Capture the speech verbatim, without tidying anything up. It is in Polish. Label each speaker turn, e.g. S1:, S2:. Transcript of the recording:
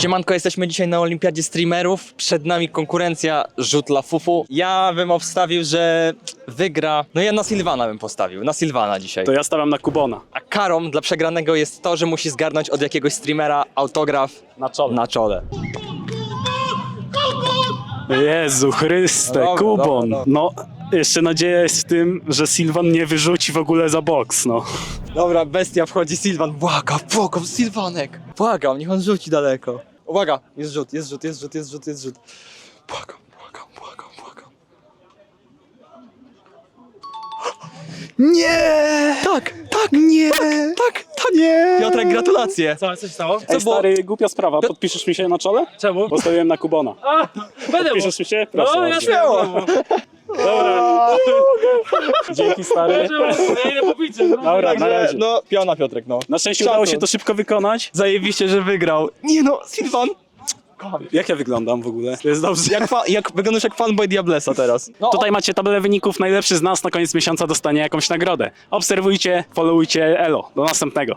S1: Siemanko, jesteśmy dzisiaj na Olimpiadzie Streamerów. Przed nami konkurencja rzut dla fufu. Ja bym obstawił, że wygra... No ja na Sylwana bym postawił, na Sylwana dzisiaj.
S2: To ja stawiam na Kubona.
S1: A karą dla przegranego jest to, że musi zgarnąć od jakiegoś streamera autograf
S2: Na czole.
S1: na czole.
S2: Jezu Chryste,
S1: No dobra,
S2: Kubon.
S1: dobra, dobra.
S2: No, jeszcze nadzieja jest w tym, że Sylwan nie wyrzuci w ogóle za boks, no.
S1: Dobra, bestia wchodzi, Sylwan. Błagam, błagam, Sylwanek. Błagam, niech on rzuci daleko. Uwaga, jest rzut, jest rzut, jest rzut, jest rzut, jest rzut. Błagam, błagam, błagam, błagam. Nie! Tak, tak, nie! Tak, tak, tak. Nie! Piotrek, gratulacje.
S3: Co, coś stało?
S1: Co
S2: Ej,
S1: było?
S2: stary, głupia sprawa, podpiszesz mi się na czole?
S3: Czemu?
S2: Postawiłem na Kubona.
S3: A, będę
S2: Podpiszesz mi się? Proszę.
S3: No, ja
S2: bardzo.
S1: śmiało.
S2: Dobra. Dzięki, stary.
S3: Ja idę po pizzę. No.
S2: Dobra, na
S1: Także,
S2: razie.
S1: no, piona Piotrek, no.
S2: Na szczęście
S1: Szacun.
S2: udało się to szybko wykonać.
S1: Zajebiście, że wygrał. Nie no, Sylwan.
S2: Jak ja wyglądam w ogóle? To jest dobrze.
S1: Jak, fa- jak wyglądasz jak fanboy Diablesa teraz. No,
S2: Tutaj macie tabelę wyników. Najlepszy z nas na koniec miesiąca dostanie jakąś nagrodę. Obserwujcie, followujcie, elo. Do następnego.